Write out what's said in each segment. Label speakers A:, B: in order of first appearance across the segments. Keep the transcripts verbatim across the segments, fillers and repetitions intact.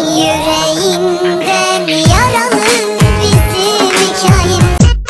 A: Yüreğinden yaralı bizim hikayemiz.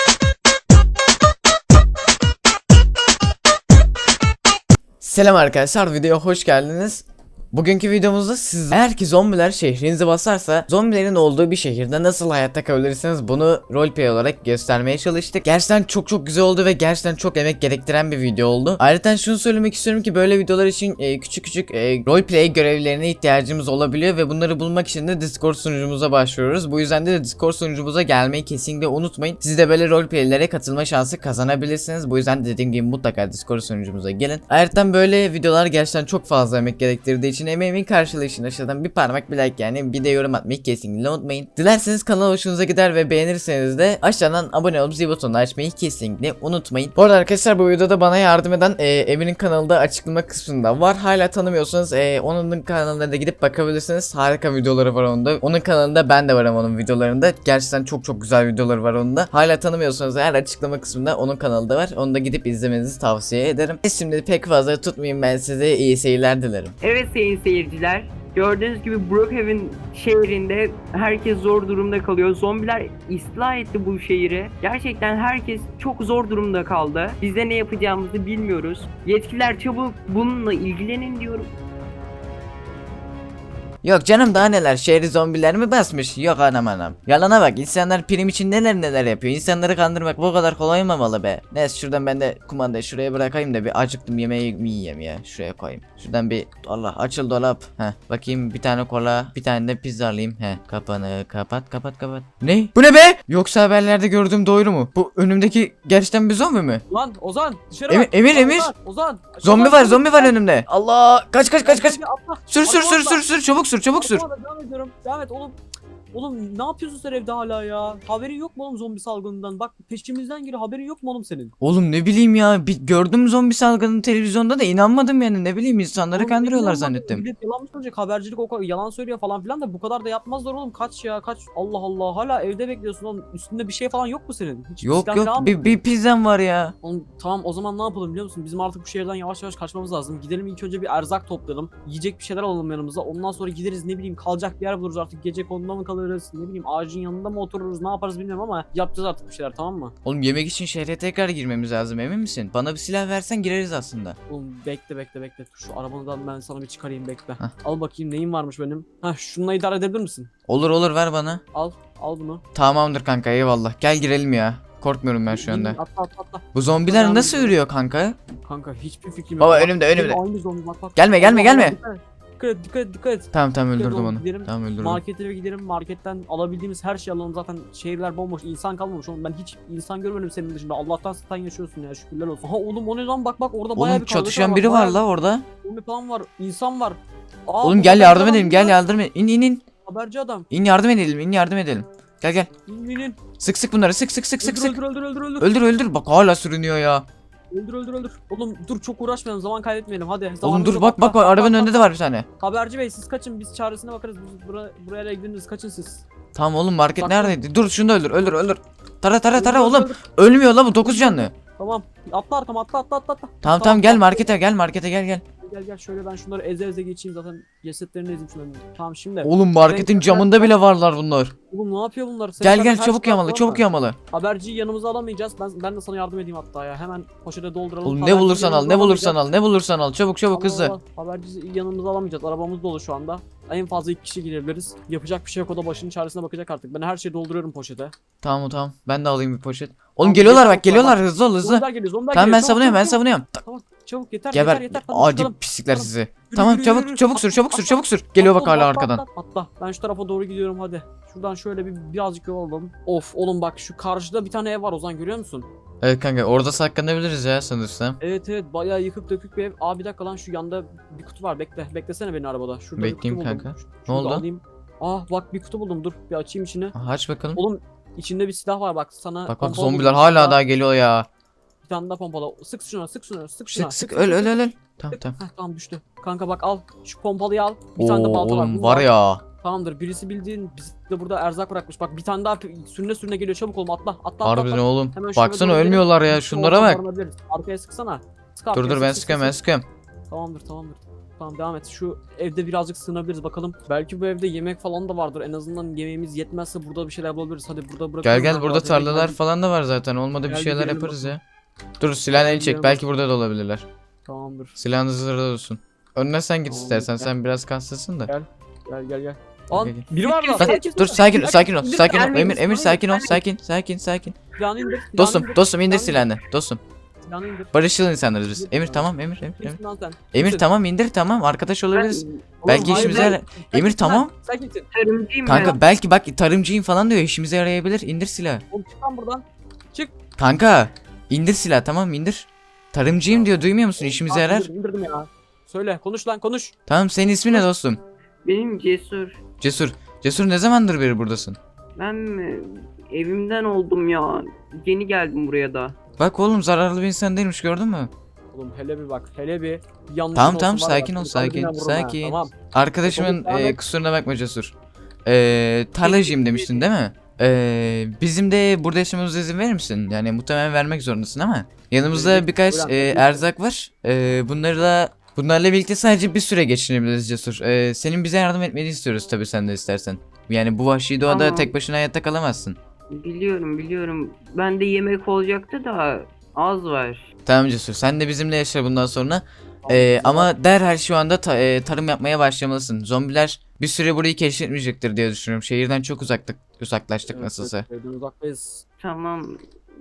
B: Selam arkadaşlar, videoya hoş geldiniz. Bugünkü videomuzda siz eğer ki zombiler şehrinizi basarsa zombilerin olduğu bir şehirde nasıl hayatta kalabilirsiniz bunu roleplay olarak göstermeye çalıştık. Gerçekten çok çok güzel oldu ve gerçekten çok emek gerektiren bir video oldu. Ayrıca şunu söylemek istiyorum ki böyle videolar için e, küçük küçük e, roleplay görevlerine ihtiyacımız olabiliyor ve bunları bulmak için de Discord sunucumuza başvuruyoruz. Bu yüzden de Discord sunucumuza gelmeyi kesinlikle unutmayın. Siz de böyle roleplaylere katılma şansı kazanabilirsiniz. Bu yüzden de dediğim gibi mutlaka Discord sunucumuza gelin. Ayrıca böyle videolar gerçekten çok fazla emek gerektirdiği için emeğimin karşılığı için aşağıdan bir parmak bir like yani bir de yorum atmayı kesinlikle unutmayın. Dilerseniz kanal hoşunuza gider ve beğenirseniz de aşağıdan abone olup zil butonunu açmayı kesinlikle unutmayın. Bu arada arkadaşlar bu videoda bana yardım eden e, Emir'in kanalı da açıklama kısmında var. Hala tanımıyorsanız e, onun kanalına da gidip bakabilirsiniz. Harika videoları var onda. Onun kanalında ben de varım onun videolarında. Gerçekten çok çok güzel videoları var onda. Hala tanımıyorsanız eğer açıklama kısmında onun kanalı da var. Onu da gidip izlemenizi tavsiye ederim. E, şimdi pek fazla tutmayayım, ben size iyi seyirler dilerim.
C: Evet sayın seyirciler, gördüğünüz gibi Brookhaven şehrinde herkes zor durumda kalıyor. Zombiler istila etti bu şehri. Gerçekten herkes çok zor durumda kaldı. Biz de ne yapacağımızı bilmiyoruz. Yetkililer çabuk bununla ilgilenin diyorum.
B: Yok canım, daha neler, şehri zombiler mi basmış? Yok anam anam. Yalana bak, insanlar prim için neler neler yapıyor. İnsanları kandırmak bu kadar kolay olmamalı be. Neyse şuradan ben de kumandayı şuraya bırakayım da bir acıktım, yemeği mi yiyeyim ya. Şuraya koyayım. Şuradan bir Allah açıl dolap. Heh bakayım, bir tane kola bir tane de pizza alayım. Heh kapanı kapat kapat kapat. Ne? Bu ne be? Yoksa haberlerde gördüğüm doğru mu? Bu önümdeki gerçekten bir zombi mi?
D: Lan Ozan dışarı
B: Emir,
D: bak.
B: Emir,
D: Ozan,
B: Emir.
D: Ozan, Ozan.
B: Zombi
D: Ozan,
B: var,
D: Ozan,
B: zombi var
D: Ozan.
B: önümde. Allah, kaç kaç kaç kaç.
D: Hadi atla.
B: Sür sür
D: Atla,
B: sür
D: atla.
B: sür sür, çabuk sür çabuk sür.
D: Atla, devam ediyorum. Devam et oğlum. Oğlum ne yapıyorsun sen evde hala ya? Haberin yok mu oğlum zombi salgınından? Bak peşimizden geliyor, haberin yok mu oğlum senin?
B: Oğlum ne bileyim ya, bir gördüm zombi salgını televizyonda da inanmadım yani, ne bileyim insanları
D: Oğlum,
B: kandırıyorlar
D: ne
B: zannettim.
D: Millet yalan mı söyleyecek, habercilik o kadar yalan söylüyor falan filan da bu kadar da yapmazlar oğlum, kaç ya kaç. Allah Allah, hala evde bekliyorsun oğlum, üstünde bir şey falan yok mu senin? Hiç
B: Yok
D: silah
B: yok,
D: falan mı?
B: bir, bir pizzam var ya.
D: Oğlum tamam, o zaman ne yapalım biliyor musun? Bizim artık bu şehirden yavaş yavaş kaçmamız lazım. Gidelim ilk önce bir erzak toplayalım. Yiyecek bir şeyler alalım yanımıza. Ondan sonra gideriz, ne bileyim kalacak bir yer buluruz artık. Gece konuda mı kalırız? Ne bileyim ağacın yanında mı otururuz? Ne yaparız bilmiyorum ama yapacağız artık bir şeyler, tamam mı?
B: Oğlum yemek için şehre tekrar girmemiz lazım, emin misin? Bana bir silah versen gireriz aslında.
D: Oğlum bekle bekle bekle. Şu arabadan ben sana bir çıkarayım, bekle.
B: Hah.
D: Al bakayım neyin varmış benim. Hah, şununla idare edebilir misin?
B: Olur olur, ver bana.
D: Al. Al bunu.
B: Tamamdır kanka, eyvallah. Gel girelim ya. Korkmuyorum ben şu anda.
D: Atla atla atla.
B: Bu zombiler
D: Devam
B: nasıl
D: ediyorum.
B: yürüyor kanka?
D: Kanka hiçbir fikrim yok.
B: Baba
D: Bak,
B: önümde önümde.
D: Aynı zombi, bak bak.
B: Gelme gelme
D: Allah Allah,
B: gelme.
D: Dikkat et dikkat et dikkat et. dikkat et.
B: Tamam tamam,
D: Gidelim
B: öldürdüm
D: oğlum,
B: onu.
D: gidelim.
B: Tamam öldürdüm.
D: Markete gidelim, marketten alabildiğimiz her şeyi alalım, zaten şehirler bomboş, insan kalmamış oğlum, ben hiç insan görmedim senin dışında. Allah'tan sen yaşıyorsun ya, şükürler olsun. Ha oğlum o ne lan, bak bak orada bayağı
B: Oğlum
D: bir kargaşa
B: çatışan biri var
D: bayağı
B: la orada.
D: bir zombi falan var, insan var. Aa,
B: Oğlum
D: bu
B: gel
D: haberci
B: yardım
D: adam
B: edelim,
D: değil
B: gel
D: mi?
B: yardım edelim. İn in in.
D: Haberci adam.
B: İn yardım edelim, in yardım edelim. Gel gel.
D: İn in in.
B: Sık sık bunları, sık sık sık sık
D: Öldür,
B: sık.
D: öldür öldür öldür öldür.
B: Öldür öldür, bak hala sürünüyor ya.
D: Öldür öldür öldür. Oğlum dur, çok uğraşmayalım, zaman kaybetmeyelim hadi.
B: Oğlum
D: Zamanımız
B: dur,
D: yok.
B: bak bak
D: Atla,
B: bak, arabanın
D: atla,
B: önünde de
D: atla.
B: var bir tane.
D: Haberci bey siz kaçın, biz çaresine bakarız. Biz buraya, buraya gidiniz, kaçın siz.
B: Tamam oğlum, market
D: Bak-
B: neredeydi? Dur şunu da öldür öldür öldür. Tara tara tara
D: Öldür,
B: oğlum.
D: öldür.
B: Ölmüyor la bu, dokuz canlı.
D: Tamam. Atla arkama, atla atla atla. atla.
B: Tamam tamam, gel markete gel markete gel gel.
D: Gel gel şöyle, ben şunları eze eze geçeyim, zaten cesetlerini ezeyim şunları. Tamam şimdi.
B: Oğlum marketin
D: Ben-
B: camında bile varlar bunlar.
D: Oğlum ne yapıyor bunlar? Sen
B: Gel
D: zaten
B: gel
D: her
B: çabuk
D: şey
B: yamalı
D: yaptın
B: çabuk
D: ama
B: yamalı.
D: Haberciyi yanımıza alamayacağız. Ben ben de sana yardım edeyim hatta ya. Hemen poşete dolduralım.
B: Oğlum ne
D: Haberciyi
B: bulursan al,
D: yanımıza
B: ne bulursan
D: alamayacağız.
B: al, ne bulursan al, çabuk çabuk
D: Allah
B: hızlı.
D: Allah, haberciyi yanımıza alamayacağız. Arabamız dolu şu anda. En fazla iki kişi girebiliriz. Yapacak bir şey yok, o da başının çaresine bakacak artık. Ben her şeyi dolduruyorum poşete.
B: Tamam tamam, ben de alayım bir poşet. Oğlum
D: Tamam,
B: geliyorlar
D: çabuk
B: bak, geliyorlar, hızlı ol hızlı.
D: Zombiler geliyor, zombiler
B: Tamam ben
D: geliyor. Çabuk,
B: savunuyorum, ben
D: çabuk, çabuk.
B: savunuyorum. Ta-
D: Tamam çabuk, yeter
B: Geber.
D: yeter yeter. Tamam,
B: Adi
D: çıkalım.
B: pislikler
D: Çıkalım.
B: sizi.
D: Yürü,
B: Tamam
D: yürü,
B: çabuk
D: yürü.
B: çabuk sür, çabuk sür,
D: Atla,
B: çabuk sür. Geliyor bak
D: atla,
B: hala
D: atla,
B: arkadan.
D: Atla, atla. Ben şu tarafa doğru gidiyorum hadi. Şuradan şöyle bir birazcık yol alalım. Of oğlum bak, şu karşıda bir tane ev var Ozan, görüyor musun?
B: Evet kanka, orada saklanabiliriz ya sanırsam.
D: Evet evet, bayağı yıkık dökük bir ev. Aa bir dakika lan, şu yanda bir kutu var, bekle. Beklesene beni arabada. Şurada
B: Bekleyeyim
D: bir kutu buldum.
B: kanka.
D: Ş-
B: Ne
D: şunu da
B: oldu?
D: alayım. Aa bak bir kutu buldum, dur bir açayım içini.
B: Aha, aç bakalım.
D: Oğlum içinde bir silah var bak sana.
B: Bak bak,
D: pompalı
B: zombiler
D: buldum.
B: hala
D: Şurada
B: daha geliyor ya.
D: Bir tane daha pompalı. Sık şuna, sık şuna, sık şuna.
B: Sık sık öl öl öl öl. Tamam tamam.
D: Heh, tamam düştü. Kanka bak al, şu pompalıyı al. Bir
B: Oo,
D: tane de balta var.
B: oğlum
D: bunu
B: var
D: al.
B: ya.
D: Tamamdır, birisi bildiğin bizde burada erzak bırakmış. Bak bir tane daha sürüne sürüne geliyor, çabuk olma, atla atla atla.
B: Harbiden
D: atla.
B: oğlum.
D: Hemen şöyle
B: Baksana
D: doğru
B: ölmüyorlar ya,
D: gidelim.
B: şunlara bak.
D: Arkaya sıksana. Sık
B: Dur
D: arkaya,
B: dur ben
D: sık, sık,
B: sıkıyorum ben
D: sık.
B: sıkıyorum.
D: Tamamdır tamamdır. Tamam devam et. Şu evde birazcık sığınabiliriz bakalım. Belki bu evde yemek falan da vardır. En azından yemeğimiz yetmezse burada bir şeyler bulabiliriz. Hadi burada bırakalım.
B: Gel gel
D: da
B: burada
D: zaten
B: tarlalar
D: geldik.
B: falan da var zaten. Olmadı bir
D: Gel
B: şeyler
D: gidelim
B: yaparız
D: bakalım.
B: ya. Dur silahını el çek.
D: gidelim
B: Belki burada da olabilirler.
D: Tamamdır.
B: Silahın hazırda olsun. Önüne sen git
D: Tamam,
B: istersen.
D: gel.
B: Sen biraz kaslısın da.
D: Gel. Gel gel gel. Lan
B: Gel, gel.
D: biri var
B: Lan,
D: lan. Sakin
B: dur sakin ol, sakin ol,
D: İndir,
B: sakin ol.
C: gelmeyin,
B: Emir, Emir
C: silahını
B: sakin ol,
C: indir.
B: sakin, sakin, sakin.
D: Silahını indir. silahını
B: Dostum,
D: indir,
B: dostum indir
D: silahını
B: silahını. Dostum.
D: Silahını indir.
B: Barışçıl insanlarız biz.
D: İndir
B: Emir
D: silahını.
B: tamam, Emir, Emir. Emir,
D: Kimsin lan sen?
B: Emir
D: Kimsin?
B: tamam indir tamam. Arkadaş olabiliriz.
C: Ben
B: Belki
D: hayır,
B: işimize
D: ben-
B: yarar.
D: Sen
B: Emir
D: kimsin lan?
B: tamam.
D: Sen kimsin?
C: tarımcıyım
B: Kanka
C: ben.
B: belki bak tarımcıyım falan diyor. İşimize yarayabilir. İndir silahı.
D: Oğlum çık lan buradan. Çık.
B: Kanka indir silahı tamam indir. Tarımcıyım diyor. Duymuyor musun? İşimize
D: Aa,
B: yarar.
D: indirdim, indirdim ya. Söyle konuş lan konuş.
B: Tamam senin ismin ne dostum?
C: Benim Cesur.
B: Cesur. Cesur ne zamandır beri buradasın?
C: Ben mi? Evimden oldum ya. Yeni geldim buraya da.
B: Bak oğlum zararlı bir insan değilmiş gördün mü?
D: Oğlum hele bir bak hele bir yanlış
B: Tamam, tamam, sakin ol, sakin, sakin.
D: Tamam.
B: Arkadaşımın
D: Devam
B: e,
D: et.
B: kusuruna bakma Cesur. E, tarlacıyım demiştin değil mi? E, bizim de burada yaşamamıza izin verir misin? Yani muhtemelen vermek zorundasın ama. Yanımızda
D: Verecek,
B: birkaç
D: buyurun,
B: e,
D: tabii ki.
B: erzak var. E, bunları da bunlarla birlikte sadece bir süre geçirebiliriz Cesur. E, senin bize yardım etmeni istiyoruz tabii sen de istersen. Yani bu vahşi doğada
C: Tamam.
B: tek başına hayatta kalamazsın.
C: Biliyorum biliyorum. Bende yemek olacaktı da az var.
B: Tamam Cesur sen de bizimle yaşa bundan sonra.
D: Tamam,
B: Ee,
D: tamam.
B: ama derhal şu anda ta- e, tarım yapmaya başlamalısın. Zombiler bir süre burayı keşfetmeyecektir diye düşünüyorum. Şehirden çok uzaktık, uzaklaştık
D: Evet,
B: nasılsa.
D: evet, evden uzaktayız.
C: Tamam.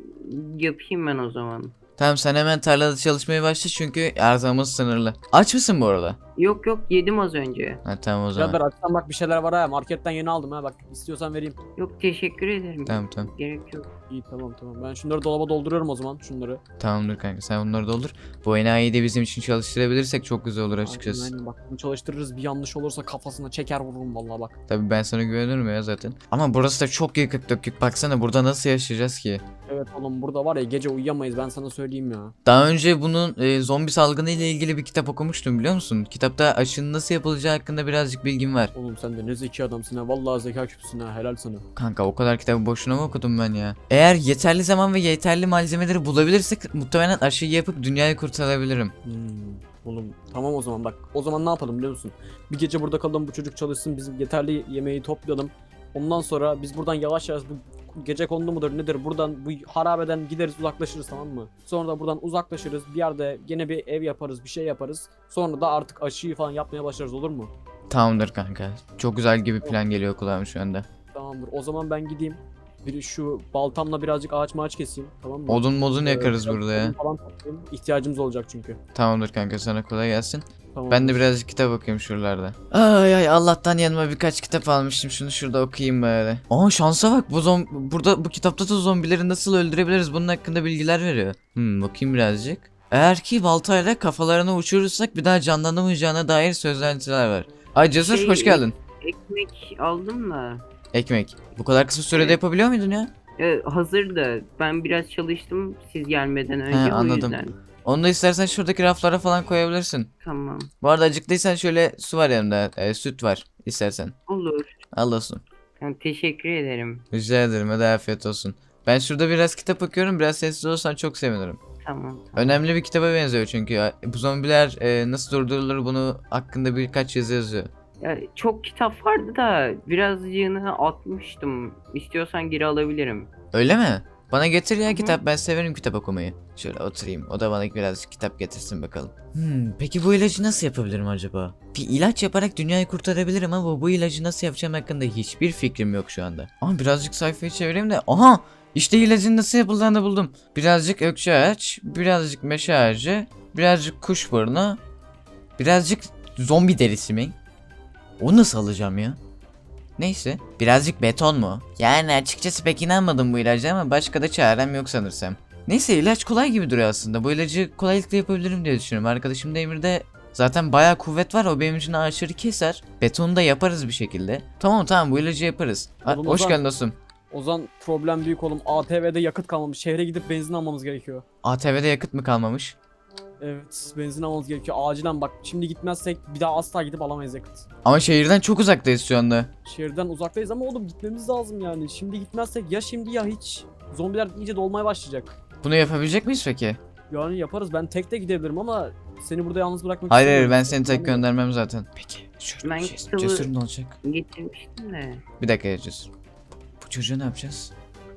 C: Yapayım ben o zaman.
B: Tamam sen hemen tarlada çalışmaya başla çünkü erzağımız sınırlı. Aç mısın bu arada?
C: Yok yok yedim az önce.
B: Ha tamam o zaman.
D: Birader açsan bak bir şeyler var ha. Marketten yeni aldım ha. Bak istiyorsan vereyim.
C: Yok teşekkür ederim.
B: Tamam tamam.
C: Gerek yok.
D: İyi tamam tamam. Ben şunları dolaba dolduruyorum o zaman. Şunları.
B: Tamamdır kanka sen bunları doldur. Bu enayiyi de bizim için çalıştırabilirsek çok güzel olur açıkçası.
D: Aynen, aynen. Bak bunu çalıştırırız. Bir yanlış olursa kafasına çeker vururum vallahi bak.
B: Tabii ben sana güvenirim ya zaten. Ama burası da çok yıkık dökük. Baksana burada nasıl yaşayacağız ki?
D: Evet oğlum burada var ya gece uyuyamayız ben sana söyleyeyim ya.
B: Daha önce bunun e, zombi salgını ile ilgili bir kitap okumuştum biliyor musun? Kitapta aşının nasıl yapılacağı hakkında birazcık bilgim var.
D: Oğlum sen de ne zeki adamsın ha. Vallahi zeka küpsün ha. Helal sana.
B: Kanka o kadar kitabı boşuna mı okudum ben ya? Eğer yeterli zaman ve yeterli malzemeleri bulabilirsek muhtemelen aşıyı yapıp dünyayı kurtarabilirim.
D: Hmm. Oğlum tamam o zaman bak. O zaman ne yapalım biliyor musun? Bir gece burada kalalım bu çocuk çalışsın. Biz yeterli yemeği toplayalım. Ondan sonra biz buradan yavaş yavaş bu gece kondu mudur nedir buradan bu harabeden gideriz uzaklaşırız tamam mı? Sonra da buradan uzaklaşırız bir yerde gene bir ev yaparız bir şey yaparız. Sonra da artık aşıyı falan yapmaya başlarız olur mu?
B: Tamamdır kanka. Çok güzel gibi plan geliyor kulağıma şu anda.
D: Tamamdır o zaman ben gideyim. Bir şu baltamla birazcık ağaç mağaç keseyim tamam mı?
B: Odun modun
D: Ee,
B: yakarız
D: biraz
B: burada
D: odun
B: ya.
D: Falan toplayayım. İhtiyacımız olacak çünkü.
B: Tamamdır kanka sana kolay gelsin.
D: Tamam.
B: Ben de birazcık kitap okuyayım şuralarda. Ay ay Allah'tan yanıma birkaç kitap almıştım. Şunu şurada okuyayım böyle. Aa şansa bak bu zom burada bu kitapta da zombileri nasıl öldürebiliriz bunun hakkında bilgiler veriyor. Hmm bakayım birazcık. Eğer ki baltayla kafalarını uçurursak bir daha canlanamayacağına dair söylentiler var. Ay Cesur
C: Şey,
B: hoş geldin.
C: Ekmek aldım da.
B: Ekmek. Bu kadar kısa sürede
C: Evet.
B: yapabiliyor muydun ya?
C: E, hazır da ben biraz çalıştım siz gelmeden önce
B: He,
C: o
B: anladım.
C: yüzden.
B: Onu da istersen şuradaki raflara falan koyabilirsin.
C: Tamam.
B: Bu arada acıktıysan şöyle su var yanımda. e, süt var istersen.
C: Olur.
B: Al olsun.
C: Yani teşekkür ederim.
B: Rica ederim hadi afiyet olsun. Ben şurada biraz kitap okuyorum. Biraz sessiz olsan çok sevinirim.
C: Tamam.
B: Önemli bir kitaba benziyor çünkü. Bu zombiler e, nasıl durdurulur bunu hakkında birkaç yazı yazıyor.
C: Ya, çok kitap vardı da birazcığını atmıştım. İstiyorsan geri alabilirim.
B: Öyle mi? Bana getir ya
C: Hı hı.
B: kitap. Ben severim kitap okumayı. Şöyle oturayım. O da bana biraz kitap getirsin bakalım. Hmm, peki bu ilacı nasıl yapabilirim acaba? Bir ilaç yaparak dünyayı kurtarabilirim ama bu ilacı nasıl yapacağım hakkında hiçbir fikrim yok şu anda. Ama birazcık sayfayı çevireyim de. Aha! İşte ilacın nasıl yapıldığını buldum. Birazcık ökçe ağaç, birazcık meşe ağacı, birazcık kuş burnu, birazcık zombi derisi mi? O nasıl alacağım ya? Neyse. Birazcık beton mu? Yani açıkçası pek inanmadım bu ilaca ama başka da çarem yok sanırsam. Neyse ilaç kolay gibi duruyor aslında. Bu ilacı kolaylıkla yapabilirim diye düşünüyorum. Arkadaşım da Emir'de zaten bayağı kuvvet var. O benim için ağaçları keser. Betonu da yaparız bir şekilde. Tamam tamam bu ilacı yaparız. Ha,
D: Oğlum,
B: hoş
D: Ozan.
B: geldin dostum.
D: O zaman problem büyük oğlum. A T V'de yakıt kalmamış. Şehre gidip benzin almamız gerekiyor.
B: A T V'de yakıt mı kalmamış?
D: Evet benzin almamız gerekiyor. Acilen bak şimdi gitmezsek bir daha asla gidip alamayız yakıt.
B: Ama şehirden çok uzaktayız şu anda.
D: Şehirden uzaktayız ama oğlum gitmemiz lazım yani. Şimdi gitmezsek ya şimdi ya hiç. Zombiler iyice dolmaya başlayacak.
B: Bunu yapabilecek miyiz peki?
D: Yani yaparız ben tek de gidebilirim ama Seni burada yalnız bırakmak
B: Hayır hayır
D: istemiyorum.
B: ben seni tek göndermem zaten. Peki şöyle
C: Ben
B: bir şey.
C: kısalı-
B: Cesur ne olacak?
C: Getirmiştim de.
B: Bir dakika ya Cesur. Bu çocuğu ne yapacağız?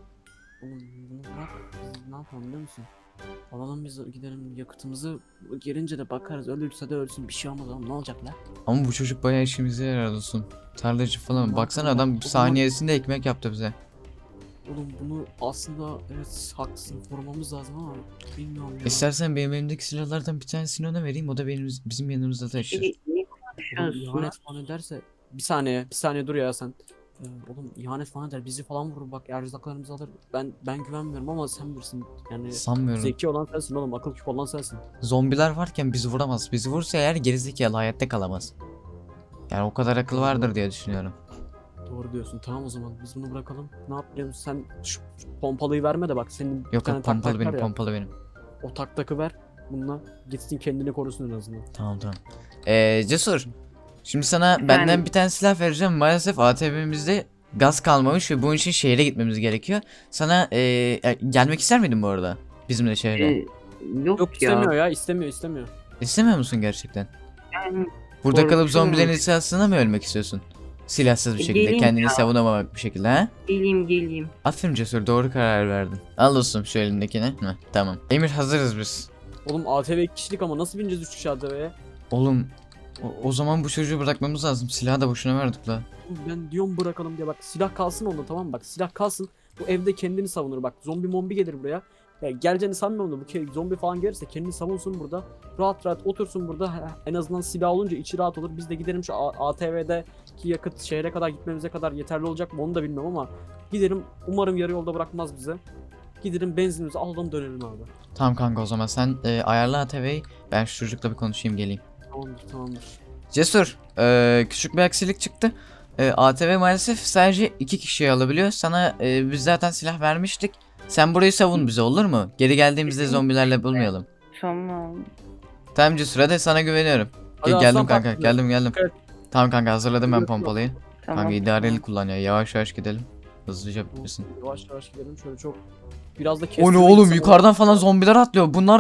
D: Oğlum bunu bırak. Biz ne yapalım biliyor musun? Alalım biz gidelim yakıtımızı gelince de bakarız. Ölürse de ölsün bir şey olmaz oğlum ne olacak la?
B: Ama bu çocuk bayağı işimize yarar olsun. Tarlacı falan.
D: Ne
B: Baksana
D: yapalım?
B: adam
D: O zaman-
B: saniyesinde ekmek yaptı bize.
D: Oğlum bunu aslında evet haklısın korumamız lazım ama bilmiyorum ya.
B: İstersen benim elimdeki silahlardan bir tanesini ona vereyim. O da benim bizim yanımızda taşır.
C: Peki ne
D: Oğlum
C: konuşuyorsun?
D: ihanet falan ederse bir saniye bir saniye dur ya sen. Ee, oğlum ihanet falan eder bizi falan vurur bak erzaklarımızı alır. Ben ben güvenmiyorum ama sen bilirsin yani.
B: Sanmıyorum.
D: Zeki olan sensin oğlum akıl küp olan sensin.
B: Zombiler varken bizi vuramaz. Bizi vursa eğer gerizekalı hayatta kalamaz. Yani o kadar akıl vardır diye düşünüyorum.
D: Doğru diyorsun tamam o zaman biz bunu bırakalım. Ne yapalım sen şu pompalıyı verme de bak senin bir
B: Yok
D: tane
B: yok
D: tak
B: pompalı
D: tak
B: benim
D: var ya,
B: pompalı benim.
D: o tak takı ver bununla gitsin kendini korusun en azından.
B: Tamam tamam. Ee, Cesur. Şimdi sana
C: Efendim?
B: benden bir tane silah vereceğim. Maalesef A T V'mizde gaz kalmamış ve bunun için şehre gitmemiz gerekiyor. Sana ee, e, gelmek ister miydin bu arada? Bizimle şehre.
C: Ee, yok,
D: Yok
C: ya.
D: istemiyor ya istemiyor istemiyor.
B: İstemiyor musun gerçekten?
C: Yani
B: Burada kalıp
C: Korkuyorum.
B: zombilerin silahsına mı ölmek istiyorsun? Silahsız bir
C: E,
B: şekilde,
C: geleyim
B: kendini
C: ya.
B: savunamamak bir şekilde ha?
C: geleyim geleyim.
B: Aferin Cesur, doğru karar verdin. Al dostum şu elindekini. Heh, tamam. Emir hazırız biz.
D: Oğlum A T V iki kişilik ama nasıl bineceğiz üç kişi A T V'ye?
B: Oğlum o, o zaman bu çocuğu bırakmamız lazım. Silahı da boşuna verdik la.
D: Oğlum ben diyorum bırakalım diye bak silah kalsın onda tamam mı? Bak silah kalsın bu evde kendini savunur bak zombi mombi gelir buraya. Ya geleceğini sanmıyorum da bu ke- zombi falan gelirse kendini savunsun burada. Rahat rahat otursun burada Ha, en azından silah olunca içi rahat olur. Biz de gidelim şu A- ATV'deki yakıt şehre kadar gitmemize kadar yeterli olacak mı onu da bilmem ama gidelim umarım yarı yolda bırakmaz bize. Gidelim benzinimizi alalım dönelim abi.
B: Tamam kanka o zaman sen e, ayarla A T V'yi. Ben şu çocukla bir konuşayım geleyim.
D: Tamamdır tamamdır.
B: Cesur, e, küçük bir aksilik çıktı. E, A T V maalesef sadece iki kişiyi alabiliyor. Sana e, biz zaten silah vermiştik. Sen burayı savun bize olur mu? Geri geldiğimizde zombilerle bulmayalım.
C: Tamam.
B: Tamam Cesur hadi sana güveniyorum.
D: Hadi
B: Ge- geldim
D: aslan
B: kanka
D: parçası.
B: geldim geldim.
D: Evet.
B: Tamam kanka hazırladım ben pompalıyı.
C: Tamam.
B: Kanka idareli kullan ya yavaş yavaş gidelim. Hızlıca bitmesin.
D: Yavaş yavaş gidelim şöyle çok. Biraz da
B: O ne
D: kestirmek
B: oğlum
D: istemem.
B: yukarıdan falan zombiler atlıyor. Bunlar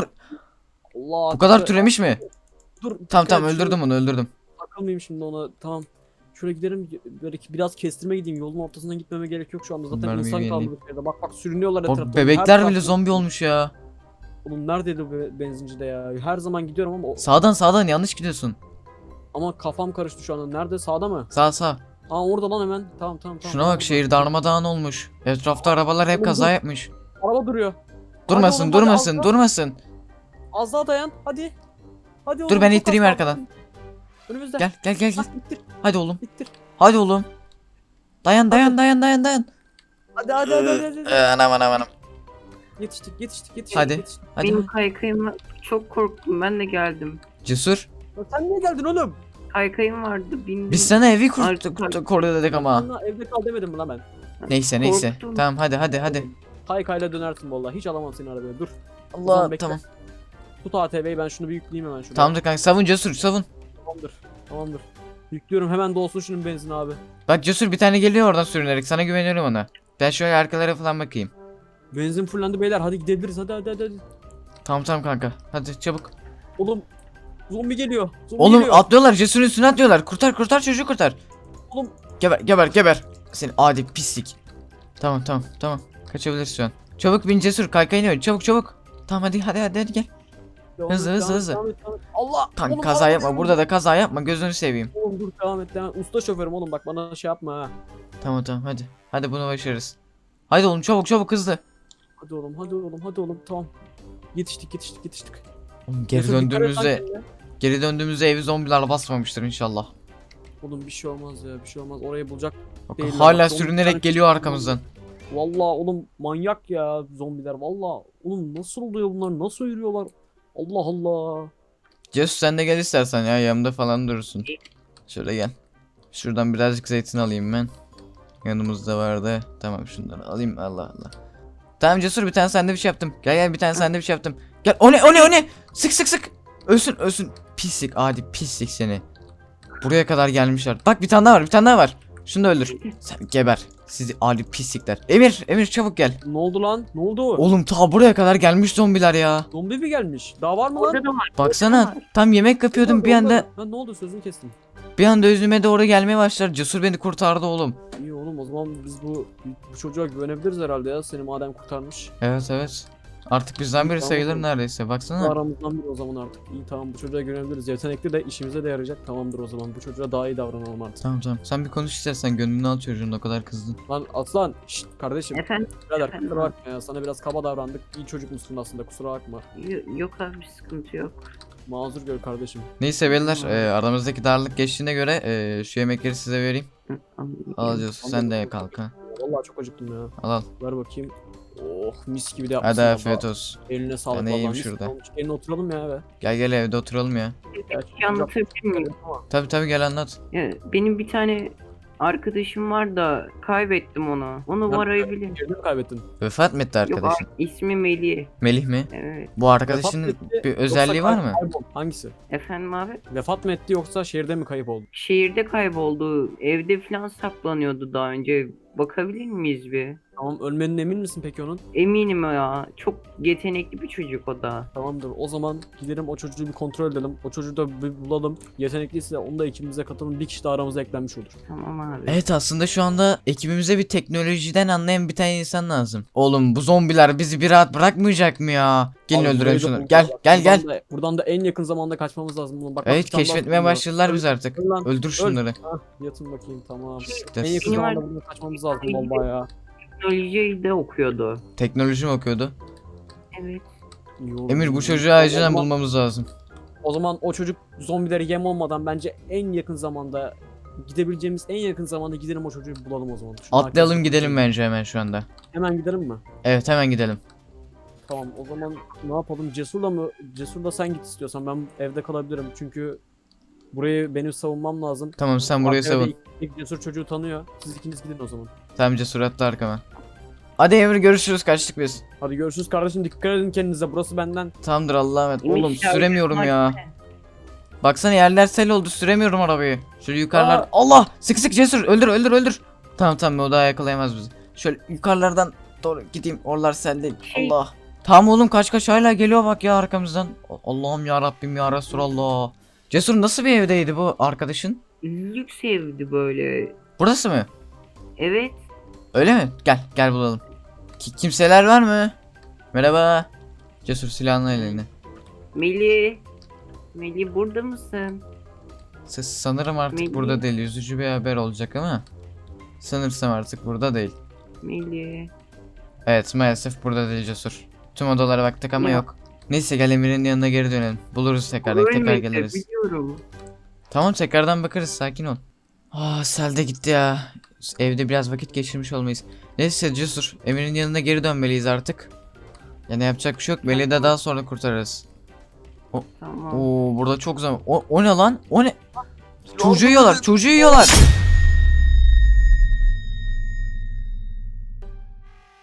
D: Allah
B: bu kadar
D: dur-
B: türemiş mi?
D: Dur.
B: Tamam
D: dikkat
B: tamam
D: et, şöyle
B: öldürdüm onu öldürdüm.
D: Takılmayayım şimdi ona tamam. Şöyle gidelim böyle ki biraz kestirme gideyim yolun ortasından gitmeme gerek yok şu anda zaten
B: Mermiyi
D: insan
B: yenileyim.
D: kaldı bir yerde. Bak bak sürünüyorlar
B: O
D: etrafta. Her
B: bebekler
D: tarafta-
B: bile zombi olmuş ya.
D: Oğlum neredeydi bu be- benzincide ya? Her zaman gidiyorum ama o-
B: Sağdan sağdan yanlış gidiyorsun.
D: ama kafam karıştı şu anda. Nerede? Sağda mı?
B: Sağ sağ.
D: Aa orada lan hemen. Tamam tamam tamam.
B: Şuna bak şehir darmadağın olmuş. Etrafta arabalar hep
D: Oğlum,
B: kaza
D: dur.
B: yapmış.
D: Araba duruyor.
B: Durmasın
D: oğlum, hadi
B: durmasın
D: az
B: durmasın.
D: Az daha dayan. Hadi. Hadi oğlum.
B: Dur ben
D: çok
B: ittireyim
D: az kaldı.
B: arkadan.
D: Önümüzde.
B: Gel gel gel gel.
D: Bak, ittir.
B: Hadi oğlum.
D: İttir.
B: Hadi oğlum. Dayan dayan dayan dayan dayan.
D: Hadi hadi hadi hadi. hadi.
B: Ee, Anam anam anam.
D: Yetiştik yetiştik yetiştik.
B: Hadi.
D: yetiştik.
B: Hadi.
C: Benim kaykayım çok korktum. Ben de geldim.
B: Cesur.
D: Ya sen niye geldin oğlum?
C: Kaykayım vardı. Bindim.
B: Biz sana evi
C: Artık-
B: kurt koru dedik ama.
D: Sana evde kal demedim mi lan ben?
B: Neyse neyse.
C: Korktum.
B: Tamam hadi hadi hadi.
D: Kaykayla dönersin vallahi. Hiç alamam seni arabaya. Dur.
B: Allah
D: Ulan bekle.
B: tamam.
D: Tut A T V'yi ben şunu bir yükleyeyim hemen şuraya.
B: Tamamdır kanka savun Cesur savun.
D: Tamamdır. Tamamdır. Yüklüyorum hemen dolsun şunun benzin abi.
B: Bak Cesur bir tane geliyor oradan sürünerek sana güveniyorum ona. Ben şöyle arkalara falan bakayım.
D: Benzin fullendi beyler hadi gidebiliriz hadi hadi hadi. hadi.
B: Tamam tamam kanka. Hadi çabuk.
D: Oğlum zombi geliyor. Zombi
B: Oğlum
D: geliyor.
B: atlıyorlar Cesur'un üstüne atlıyorlar. Kurtar kurtar çocuğu kurtar.
D: Oğlum.
B: Geber geber geber. Seni adi pislik. Tamam tamam tamam. Kaçabiliriz şu an. Çabuk bin Cesur kaykayını ön çabuk çabuk. Tamam hadi hadi hadi, hadi gel.
D: Devam
B: hızlı,
D: et,
B: hızlı,
D: devam et,
B: hızlı.
D: devam et, devam et. Allah.
B: Kanka
D: oğlum,
B: kaza
D: araba
B: yapma
D: düşüyor.
B: burada da kaza yapma gözünü seveyim.
D: Oğlum dur devam et devam et. Usta şoförüm oğlum bak bana şey yapma ha.
B: Tamam tamam hadi. Hadi bunu başarırız. Hadi oğlum çabuk çabuk hızlı.
D: Hadi oğlum hadi oğlum hadi oğlum tamam. Yetiştik yetiştik yetiştik.
B: Oğlum geri
D: Yusuf, dikkat et lan
B: döndüğümüzde
D: kendine.
B: geri döndüğümüzde evi zombiler basmamıştır inşallah.
D: Oğlum bir şey olmaz ya bir şey olmaz orayı bulacak.
B: Bak,
D: Değil lan,
B: hala
D: bak, zombi
B: sürünerek
D: tane
B: geliyor
D: çıktı.
B: arkamızdan.
D: Vallahi oğlum manyak ya zombiler vallahi. Oğlum nasıl oluyor bunlar nasıl yürüyorlar? Allah Allah.
B: Cesur sen de gel istersen ya yanımda falan durursun. Şöyle gel. Şuradan birazcık zeytin alayım ben. Yanımızda vardı. Tamam şundan alayım Allah Allah. Tamam Cesur bir tane sandviç yaptım. Gel gel bir tane sandviç yaptım. Gel o ne o ne o ne? Sık sık sık. Ölsün ölsün. Pislik adi pislik seni. Buraya kadar gelmişler. Bak bir tane daha var bir tane daha var. Şunu da öldür. Sen geber. Sizi ali pislikler. Emir, Emir çabuk gel.
D: Ne oldu lan? Ne oldu?
B: Oğlum ta buraya kadar gelmiş zombiler ya.
D: Zombi mi gelmiş? Daha var mı lan?
C: Orada da var.
B: Baksana tam yemek yapıyordum bir anda
D: Ben ne oldu, sözünü kestim.
B: bir anda özüme doğru gelmeye başlar. Cesur beni kurtardı oğlum.
D: İyi oğlum, o zaman biz bu bu çocuğa güvenebiliriz herhalde ya, seni madem kurtarmış.
B: Evet evet. Artık bizden biri
D: Tamam,
B: sayılır
D: tamam.
B: neredeyse. Baksana.
D: Aramızdan biri o zaman artık. İyi tamam, bu çocuğa güvenebiliriz. Yetenekli de işimize de yarayacak. Tamamdır o zaman. Bu çocuğa daha iyi davranalım artık.
B: Tamam tamam. Sen bir konuş istersen gönlünü al çocuğun o kadar kızdın.
D: Lan Aslan, şşt kardeşim.
C: Efendim?
D: Birader
C: Efendim?
D: kusura bakma ya. Sana biraz kaba davrandık. İyi çocuk musun aslında, kusura bakma.
C: Y- Yok abi, sıkıntı yok.
D: Mazur gör kardeşim.
B: Neyse beyler e, aramızdaki darlık geçtiğine göre e, şu yemekleri size vereyim.
C: Hı, anladım.
B: Al Cesur sen de kalk ha.
D: Vallahi çok acıktım ya.
B: Al al.
D: Ver bakayım. Oh, mis gibi de yapmışsın.
B: Hadi
D: valla.
B: afiyet olsun.
D: Eline sağlık
B: Ben
D: vallahi.
B: iyiyim
D: Mis
B: şurada.
D: gibi olmuş. Gelin oturalım ya be.
B: Gel gel evde oturalım ya.
D: Ya,
C: Bir şey anlatabilir miyim?
B: Tabi tabi gel anlat.
C: Ya, benim bir tane arkadaşım var da kaybettim onu. Onu
D: Lan,
C: arayabilir.
D: Yerini mi kaybettin?
B: Vefat mı etti
C: Yok
B: arkadaşın?
C: abi, ismi Melih.
B: Melih mi?
C: Evet.
B: Bu arkadaşının
D: Vefat mı etti,
B: bir
D: yoksa
B: özelliği var
D: kay-
B: mı?
D: kayboldu? Hangisi?
C: Efendim abi?
D: Vefat mı etti yoksa şehirde mi kayıp oldu?
C: Şehirde kayboldu. Evde falan saklanıyordu daha önce. Bakabilir miyiz bir?
D: Tamam, ölmenin emin misin peki onun?
C: Eminim ya. Çok yetenekli bir çocuk o da.
D: Tamamdır. O zaman gidelim o çocuğu bir kontrol edelim. O çocuğu da bir bulalım. Yetenekliyse onu da ekibimize katalım. Bir kişi de aramıza eklenmiş olur.
C: Tamam abi.
B: Evet aslında şu anda ekibimize bir teknolojiden anlayan bir tane insan lazım. Oğlum bu zombiler bizi bir rahat bırakmayacak mı ya? Gelin
D: Abi,
B: öldürelim
D: burayı da
B: şunu.
D: bulacağız.
B: Gel
D: Bak,
B: gel gel.
D: buradan Da, buradan da en yakın zamanda kaçmamız lazım. Bak, bak,
B: Evet
D: bir tane daha
B: keşfetmeye
D: buldum ya.
B: başladılar
D: Öl-
B: biz artık.
D: öl lan,
B: Öldür
D: öl.
B: şunları.
D: Hah, yatın bakayım, tamam.
B: Siktir.
D: En yakın
C: Benim
D: zamanda
C: ar-
D: buradan kaçmamız lazım vallahi ya.
C: Teknolojiyi de okuyordu.
B: Teknoloji mi okuyordu?
C: Evet.
D: İyi oldu,
B: Emir
D: iyi
B: bu
D: oldu.
B: çocuğu
D: O
B: acilen
D: zaman-
B: bulmamız lazım.
D: O zaman o çocuk zombileri yem olmadan bence en yakın zamanda gidebileceğimiz en yakın zamanda gidelim o çocuğu bulalım o zaman. Şunu
B: Atlayalım
D: arkadaşlar-
B: gidelim bence hemen şu anda.
D: Hemen gidelim mi?
B: Evet hemen gidelim.
D: Tamam, o zaman ne yapalım? Cesur'la mı? Cesur'la sen git istiyorsan, ben evde kalabilirim çünkü burayı benim savunmam lazım.
B: Tamam sen burayı
D: Arkaya da
B: savun.
D: ilk, ilk Cesur çocuğu tanıyor. Siz ikiniz gidin o zaman.
B: Tamam Cesur atla arkama. Hadi Emir görüşürüz kaçtık biz.
D: Hadi görüşürüz kardeşim, dikkat edin kendinize, burası benden.
B: Tamamdır Allah'a emanet.
C: Emir,
B: Oğlum
C: ya,
B: süremiyorum
C: hadi.
B: ya. Baksana yerler sel oldu süremiyorum arabayı. Şöyle yukarılar.
D: Aa!
B: Allah! Sık sık Cesur öldür öldür öldür. Tamam tamam o daha yakalayamaz bizi. Şöyle yukarılardan doğru gideyim. Oralar sel değil.
C: Şey-
B: Allah. Tamam oğlum kaç kaç hala geliyor bak ya arkamızdan. Allah'ım ya Rabbim ya Resulallah. Cesur nasıl bir evdeydi bu arkadaşın?
C: Lüks evdi böyle.
B: Burası mı?
C: Evet.
B: Öyle mi? Gel gel bulalım. Ki kimseler var mı? Merhaba. Cesur silahını eline.
C: Melih. Melih burada mısın?
B: Ses sanırım artık
C: Melih.
B: burada değil. Üzücü bir haber olacak ama. Sanırsam artık burada değil.
C: Melih.
B: Evet maalesef burada değil Cesur. Tüm odalara baktık ama
C: Ya.
B: yok. Neyse gel Emir'in yanına geri dönelim. Buluruz tekrar tekrar
C: Ölmedi,
B: geliriz.
C: biliyorum.
B: Tamam tekrardan bakarız sakin ol. Ah sel de gitti ya. Evde biraz vakit geçirmiş olmayız. Neyse Cesur Emir'in yanına geri dönmeliyiz artık. Yani yapacak bir şey yok. Melih'i de daha sonra kurtarırız.
C: Tamam.
B: Oo burada çok zaman. O, o ne lan? O ne? Çocuğu yiyorlar. Çocuğu yiyorlar.